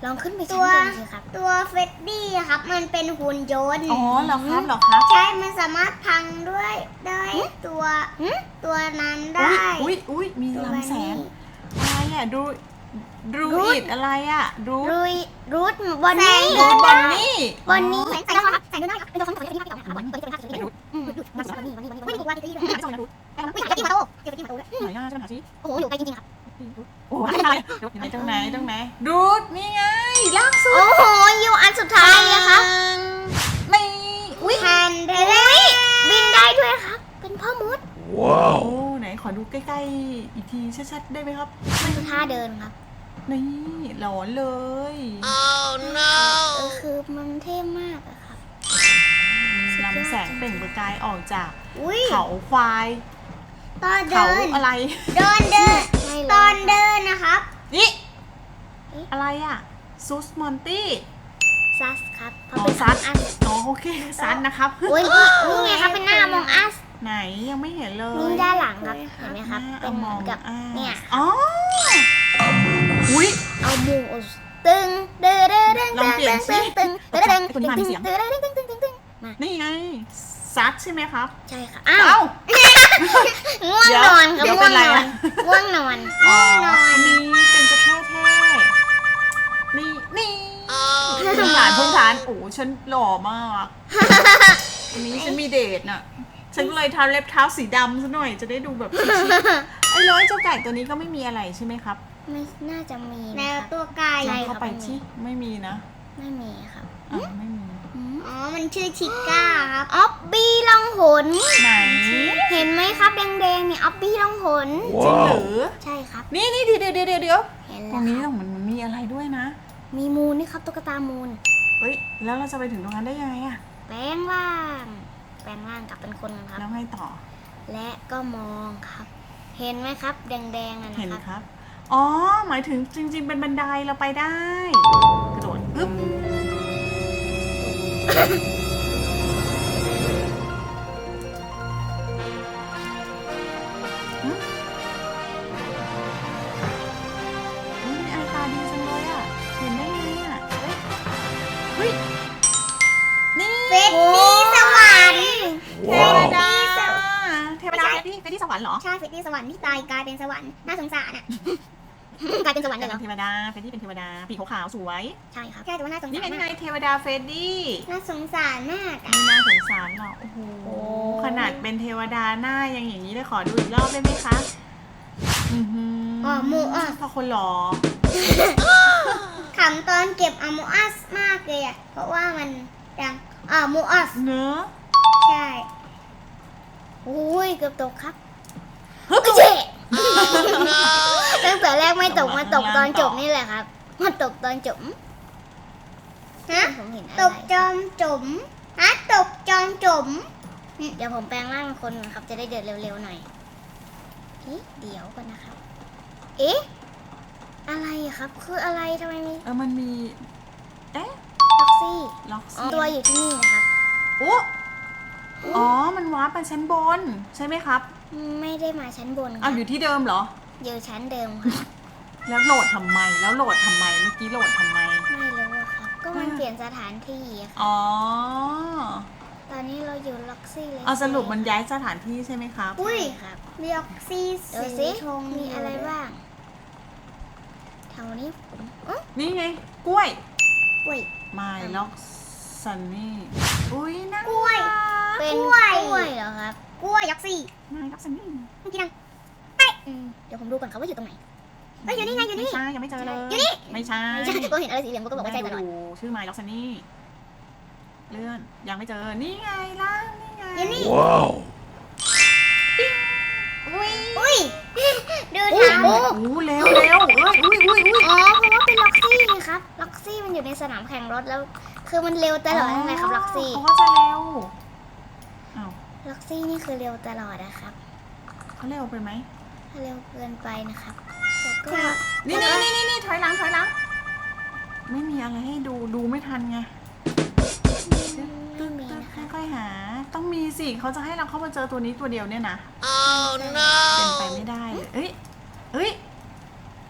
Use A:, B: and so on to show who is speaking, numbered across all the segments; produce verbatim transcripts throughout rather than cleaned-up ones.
A: ลองขึ้นไป
B: ตั
A: ชั้น
B: ว
A: บนสิครับ
B: ตัวเฟดดี้อะครับ มันเป็นหุ่นยนต์
C: อ๋อเหรอครับเหรอครับ
B: ใช่ มันสามารถพังด้วยได้ตัว
A: หึ
B: ตัวนั้นได้
C: อุ้ยอุ้ยมี
B: ตัว
C: ลำแสง
B: นี้
C: อะไรอ่ะดูดู
A: รูท
C: อิดอะไรอ่ะดู
A: รุยรูทบอนนี่
C: ดูบอนนี่
A: บอนนี่
B: ใส่
A: ใส่
B: ได้
A: ได้
B: ค
A: ค
B: รั
A: รั
B: บบ ใส่ได้ครับ
A: เป็นตัวคำสั่งที่พี่พี่เอาบอนนี่ตัวนี้เป็นภาพ
C: ไหนดู
A: อืมบอนนี่บอนนี่บอนนี่
B: ไม่
A: บอน
B: ถู
A: นี่
B: กว่าที่นี่
C: ไม่ใช่นะดู
B: ไม่ใช่ที่มาโต้เกี่ยวกับที่มาโต้ด้วย
C: ไหนอ่ะจะไปหาสิ
A: โอ้โหอยู่ไกลจริงๆครับ
C: โอ้ยอะไรไหนตรงไหนตรงไหนดูดนี่ไงล่างสุด
A: โอ้โหอยู่อันสุดท้ายเลยครับ
C: ไม่อุ้ย
B: แฮนเดล
A: บินได้ด้วยครับ เป็นพ่อมด
C: โอ้ไหนขอดูใกล้ๆอีกทีชัดๆได้ไหมครับ
A: มันคือท่าเดินครับ
C: นี่หลอนเลย
A: เออคือมันเท่มากอะครับ
C: มีลำแสงเปล่งประกายออกจาก
B: อุ้ย
C: เขาควาย
B: ตอน
C: เขา
B: เดิน
C: อะไร
B: เดินเดิน
A: ไม่เลย
B: ตอนเดินนะครับ
C: นี่อะไรอ่ะซูสมอนตี้
A: ซัสครับเพ
C: อ๋
A: ราะ
C: อ
A: เป็น
C: ซั
A: ซั
C: ด
A: สอัน
C: อ๋อโอเคซัดนะครับ
A: โอ้ยนี่ไงครับเป็นหน้ามองอัส
C: ไหนยังไม่เห็นเลย
A: นี่ด้านหลังครับ เห็นไหมครับ
C: หา
A: เป็นเหมือนกับ
C: อ่า
A: เนี่ย
C: อ๋ออุ้ย
A: เอาหมูตึงเด้อเด้อเด้ง
C: ลองเปลี่ยนสิ
A: ตึงตึงตึง
C: ตัวนี้มามีเสียง
A: ตึงตึงตึงตึงตึงตึงมา
C: นี่ไงซัดใช่ไหมครับ
A: ใช่ค่ะอ้าว
C: เอ้า
A: ง่วงนอนครับ
C: เดี๋ยว
A: ง่วง
C: เป็นไร
A: นอน
C: อะ
A: ง่วงนอน
C: อ๋ออันนี้เป็นจะแค่แท้นี่นี่พื้นฐานพื้นฐานโอ้ฉันหล่อมากอันนี้ฉันมีเดทน่ะ ฉันก็เลยทาเล็บเท้าสีดำซะหน่อยจะได้ดูแบบชิคๆไอ้ร้อยเจ้าไก่ตัวนี้ก็ไม่มีอะไรใช่ไหมครับ
A: ไม่น่าจะมี
B: แน
A: นะ
B: ว
A: ครับ
B: ตัวไก่
A: ใช่
C: เข้าไปที่ไม่มีนะ
A: ไม่มีครับ
C: อ่ะไม่มี
A: อืม
B: อ๋อ มันชื่อชิก้าครับ
A: ออฟบี้ล่องหน
C: ไหน
A: เห็นไหมครับแดงๆนี่ออฟบี้ล่องหน
C: จริงหรือ
A: ใช่ครับ
C: นี่นี่เดี๋ยวเดี๋ยวเดี๋ยวเดี๋ยว
A: เห็น
C: ตร
A: แล้
C: ง
A: ว
C: นี้
A: ค
C: ต
A: รับ
C: รงมันมันมีอะไรด้วยนะ
A: มีมูลนี่ครับตุ๊กตามูล
C: เฮ้ยแล้วเราจะไปถึงตรงนั้นได้ยังไงอะ
A: แปลงร่าง แปลงร่างกลับเป็นคนกันครับ
C: แล้วไงต่อ
A: และก็มองครับ เห็นไหมครับ แดงๆนั่น
C: เห็น
A: นะครับ
C: ครับ อ๋อ หมายถึงจริง ๆ เป็นบันไดเราไปได้ กระโดดอึ๊บหึอุ๊ยมีอะไรตาดีจังเลยอ่ะ เห็นได้ไงอ่ะ เฮ้ย เฮ้ย นี่
B: เฟดดี้สวรรค์
C: เทวดาเทวดาไปที่ไปที่สวรรค์เหรอ
B: ใช่เฟดดี้สวรรค์ที่ตายกลายเป็นสวรรค์ น่าสงสารอ่ะ
A: กลายเป็นสวรรค์เลยเหรอ
C: เทวดาเฟรดดี้เป็นเทวดาปีกขาวๆสวย
A: ใช่ครับ
B: ใช่แต่ว่าน่าสง
C: นี่
B: สาร
C: ไงนี่
B: มา
C: ไง
B: ก
C: เทวดาเฟรดดี้
B: น่าสงสารมากอะ
C: ไม่น่าสงสารหรอกโอ้โหขนาดเป็นเทวดาหน้ายังอย่างนี้เลยขอดูอีกรอบได้ไหมคะอือหือ
B: อ๋อมูอัส
C: พอคนหล่อ
B: ขำตอนเก็บอะมูอัสมากเลยอ่ะ เพราะว่ามันดังอ่ามูอัส
C: เนอะ
B: ใช่
A: อุ้ยเกือบตกครับเจ๊ ตั้งแต่แรกไม่ตกมาตกตอนจบนี่แหละครับมาตกตอนจบ
B: ฮะ
A: ผมเห็นอะ
B: ต
A: ไร
B: กจอมจุ๋มฮะตกจอมจุ๋ม
A: เดี๋ยวผมแปลงร่างคนก่อนครับจะได้เดินเร็วๆหน่อยเอ๊ะเดี๋ยวก่อนนะครับ เอ๊ะอะไรอะครับ คืออะไรทำไมมี
C: เออมันมีเอ๊ะ
A: ล็อกซี่
C: ล็อก
A: อ๋อ
C: ซี่
A: ตัวอยู่ที่นี่นะครับ
C: โอ้อ๋อมันวาร์ปไปชั้นบนใช่ไหมครับ
A: ไม่ได้มาชั้นบนค
C: อ้า
A: รั
C: ว
A: บ
C: อยู่ที่เดิมเหรอ
A: อยู่ชั้นเดิมครับ
C: แล้วโหลดทำไมแล้วโหลดทำไมเมื่อกี้โหลดทำไม
A: ไม่รู้อะครับ ก็มันเปลี่ยนสถานที่อะครับ
C: อ๋อ
A: ตอนนี้เราอยู่ล็อกซี่เลย
C: เอาสรุปมันย้ายสถานที่ใช่ไหมครับ
B: อุ้ย
A: ใช่ครับ
B: เรียกซี
A: เดี๋ยว
B: สี
A: สิ
B: ธง
A: มีอะไรบ้างแถวนี้อ๋อ
C: นี่ไง กล้วย
B: อุ้ย
C: My Lock Sunny อุ้ยน่าก
B: ล้วย
A: เป็น
B: ก
A: ก
B: ล้
A: ล้ว วย เหรอครับ
B: กล้วยยักษ์ซี่
C: My Lock Sunny
B: เมื่อกี้ดัง
A: อืมเดี๋ยวผมดูก่อนครับว่าอยู่ตรงไหน
B: เอ้ยอยู่นี่ไงอยู่นี่
C: ไม่ใช่ยังไม่เจอเลย
B: อยู่นี่
C: ไม่ใช่
A: ไม่ใช่ก็เห็นอะไรสีเหลืองก็บอกว่าใช่ตลอด
C: ดูชื่อ My Lock Sunny เลื่อนยังไม่เจอ นี่ไงล่างนี่ไง
B: อยู่นี่
D: Wow.
C: อุ้ย
B: อุ้ย ดู
A: โอ้
B: ทาง
A: โห
C: โอ้เร็วเร็วเอ้ยอุ้ยอุ้ยอุ้ย
A: อ๋อเพราะว่าเป็นล็อกซี่ไงครับล็อกซี่มันอยู่ในสนามแข่งรถแล้ว คือมันเร็วตลอดนั่นแหละครับล็อกซี่
C: เขาก็จะเร็วอ้าว
A: ล็อกซี่นี่คือเร็วตลอดนะครับ
C: เขาเร็วไปไหม
A: ถ้าเร็วเกินไปนะครับแล้วก็
C: นี่นี่นี่นี่นี่ถอยหลังถอยหลัง ไม่มีอะไรให้ดูดูไม่ทันไง
A: ไม่มีนะคะ
C: ค่อยๆหา ต้องมีสิเขาจะให้เราเข้ามาเจอตัวนี้ตัวเดียวเนี่ยนะ
D: Oh
C: เป็น
D: no.
C: ไปไม่ได้เลยเอ้ยเอ้ย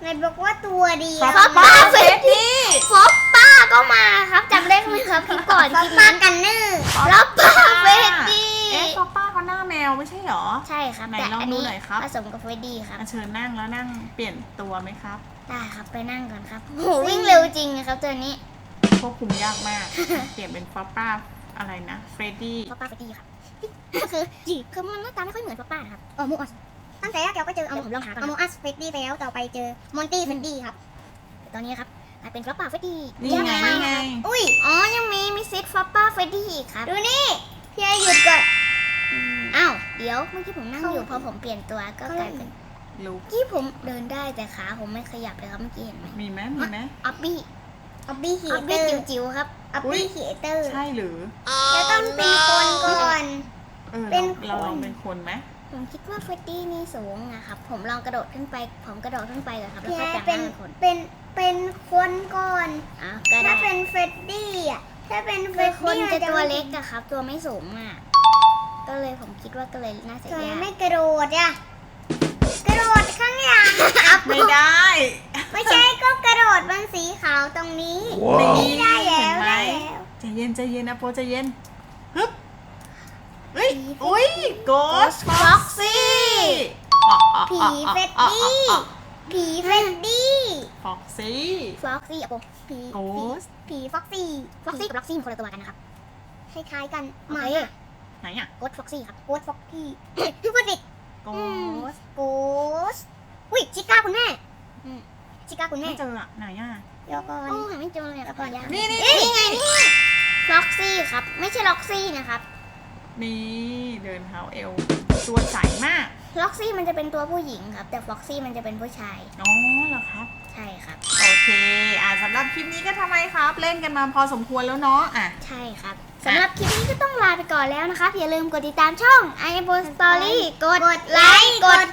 B: นายบอกว่าตัวดี
C: ฟ
B: ค
C: อ
B: รั
C: ป
B: บ
C: ป้าเฟรดดี้
A: ฟอปป้าก็มาครับจำได้ไหมครับคลิปก่อน
B: ฟอ
A: คลิ
B: ป
A: ป
B: ป้า
A: นั้น
B: กันเนอร์
A: ฟอปป้าเฟรดดี้
C: เอ๊ะฟอปป้าเขาหน้าแมวไม่ใช่เหรอ
A: ใช่ครับ
C: ไหน
A: แต่
C: ลอง
A: อัน
C: ดู
A: นี้
C: หน่อยครับ
A: ผสมกับเฟรดดี้ครับ
C: อ่ะเชิญนั่งแล้วนั่งเปลี่ยนตัวไหมครับ
A: ได้ครับไปนั่งก่อนครับโหวิ่งเร็วจริงนะครับตัวนี้
C: ควบคุมยากมาก เปลี่ยนเป็นฟอปป้าอะไรนะเฟรดดี้
A: ฟอปป้าเฟรดดี้ครับก็คือจีคือมันหน้าตาไม่ค่อยเหมือนฟอปป้านะครับ
B: เออมูอัสตั้งแต่แรกเราก็เจอเอา
A: เดี๋ยวผมลองหาก่อน
B: เอามูอัสเฟดดี้ไปแล้วต่อไปเจอมอนตี้เฟดดี้ครับ
A: ตอนนี้ครับกลายเป็นฟอปป้าเฟรดดี้
C: นี่ไงนี่ไง
B: อุ้ย
A: อ๋อยังมีมีซิดฟอปป้าเฟรดดี้อีกครับ
B: ดูนี่พี่ไอหยุดก่อน
A: อ้าวเดี๋ยวเมื่อกี้ผมนั่งอยู่พอผมเปลี่ยนตัวก็กลายเป็น
C: ลูก
A: เมื่อกี้ผมเดินได้แต่ขาผมไม่ขยับเลยครับเมื่อกี้เห็นไหม
C: มีไหมมีไหม
A: ออบบี้
B: ออบบี้ฮี
A: ออบ
B: เต
A: บี้
B: อร์
A: จิ๋วๆครับ
B: ออบบี้ฮีเตอร์
C: ใช่หรือ
B: จะต้องเป็นคนก่อน
C: เออ
B: เป็น
C: เรา
B: คน
C: เราลองเป็นคนไหม
A: ผมคิดว่าเฟรดดี้นี่สูงนะครับผมลองกระโดดขึ้นไป ผมกระโดดขึ้นไปก่อนครับแล้ว
B: พี่
A: ก็
B: ไอ
A: แปลง
B: เป็น
A: ร่างเป็นคน
B: เป็นเป็นคนก่อน
A: อ่ะก็ได้
B: ถ้าเป็นเฟดดี้อ่ะถ้าเป็นเฟ
A: คือ
B: ด
A: คน
B: ดี้
A: จะตัวเล็กอะครับ ตัวไม่สูงอะก็เลยผมคิดว่าก็เลยน่าจะ
B: ทำไม
A: ยาก
B: ไม่กระโดดอ่ะกระโดดข้างหลัง
C: ไม่ได้
B: ไม่ใช่ก็กระโดดบนสีขาวตรงนี้
C: นี่
B: ได้แล้ว
C: เห็นไหม
B: ได้แล้ว
C: ใจเย็นใจเย็นนะโปใจเย็นฮึบเฮ้ยอุ้ยโกสฟ็อกซี่
B: ผีเฟดดี้ผีเฟดดี้
C: ฟ็อกซี่
A: ฟล็อกซี่อะโป
B: ผี
C: โกส
B: ผีฟ็อกซี่
A: ฟล็อกซี่กับล็อกซี่มันคนละตัวกันนะครับ
B: คล้ายๆกัน
A: โอ
B: หมา
A: เค
C: ไหนอะ
A: โกดฟล็อกซี่ครับ
B: โกดฟ็อกซี่พูดผิด
C: โกส
B: โกสอุ้ยชิก้าคุณแม่
A: อืม
B: ชิก้าคุณแม่
C: ไม่เจออะไหนอะ
B: เดี๋ยวก่อน
A: โอ้หาไม่เจอเลยครับยาก
C: นี่นี่
A: นี่ไงนี่ฟล็อกซี่ครับไม่ใช่ล็อกซี่นะครับ
C: นี่เดินเท้าเอวตัวใสมาก
A: ล็อกซี่มันจะเป็นตัวผู้หญิงครับ แต่ฟล็อกซี่มันจะเป็นผู้ชาย
C: อ๋อเหรอครับ
A: ใช่ครับ
C: โอเค อ่าสำหรับคลิปนี้ก็ทำไมครับ เล่นกันมาพอสมควรแล้วเนาะ อ่ะ
A: ใช่ครับสำหรับคลิปนี้ก็ต้องลาไปก่อนแล้วนะครับ อย่าลืมกดติดตามช่อง i อ o Story กดไลค์ กด